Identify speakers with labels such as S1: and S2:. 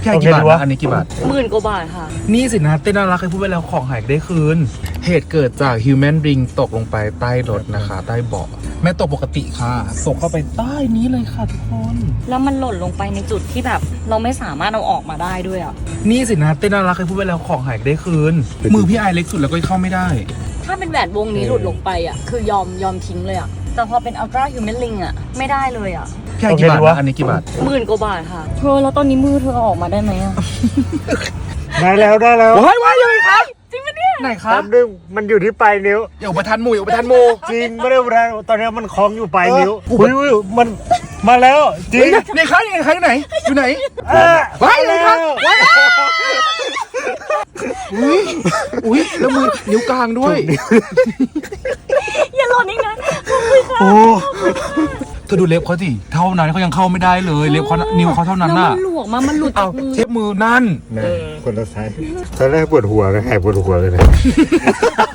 S1: พี่ให้กี่บาทนะอันนี้กี่บาท
S2: 10,000 กว่าบาทค่ะ
S1: นี่สินะเต้นน่ารักเคยพูดไปแล้วของหายได้คืนเหตุเกิดจากฮิวแมนริงตกลงไปใต้รถนะคะใต้เบาะแม่ตกปกติค่ะตกเข้าไปใต้นี้เลยค่ะทุกคน
S2: แล้วมันหล่นลงไปในจุดที่แบบเราไม่สามารถเอาออกมาได้ด้วยอ่ะ
S1: นี่สินะเต้นน่ารักเคยพูดไปแล้วของหายได้คืนมือพี่ไอเล็กสุดแล้วก็เข้าไม่ได้
S2: ถ้าเป็นแหวนวงนี้หลุดลงไปอ่ะคือยอมทิ้งเลยอ่ะแต่พอเป็นอัลตร้าฮิวแมนลิงอ่ะไม่ได้เลยอ่ะ
S1: พี่ให้กี่บาทนะอันนี้กี่บาท
S2: 10,000 กว่าบาทค่ะเธอแล้วตอนนี้มือเธอเอาออกมาได้ไหมอ่ะ
S3: ได้แล้ว
S1: ว้ายยังไงครับ
S2: จริงปะเนี่ย
S1: ไหนครั
S3: แป๊
S1: บบ
S3: นึงมันอยู่ที่ปลายนิ้ว
S1: อย่าอุปทานหมู่อย่าอุปทานหมู
S3: จริงไม่ได้อุปทานตอนนี้มันคล้องอยู่ปลายนิ้วอุ้ยมันมาแล้วจริง
S1: นี่ครับยังไงครับอยู่ไหนอยู่ไหน
S3: อ่ะ
S1: ว้ายเลยครับว้ายอุ้ยแล้วมือนิ้วกลางด้วย
S2: อย่าหล่นอีกนะขอบคุณค่ะ
S3: โอ้
S1: เธอดูเล็บเขาสิเท่านั้นเขายังเข้าไม่ได้เลยเล็บเขานิ้วเขาเท่านั้น
S2: แล้ว
S1: น่ะ
S2: มันหลวมมามันหลุด
S1: เอา
S2: จากมือ
S1: เทปมือนั่น
S3: นะคนละไซส์ตอนแรกปวดหัวนะหายปวดหัวเลยนะ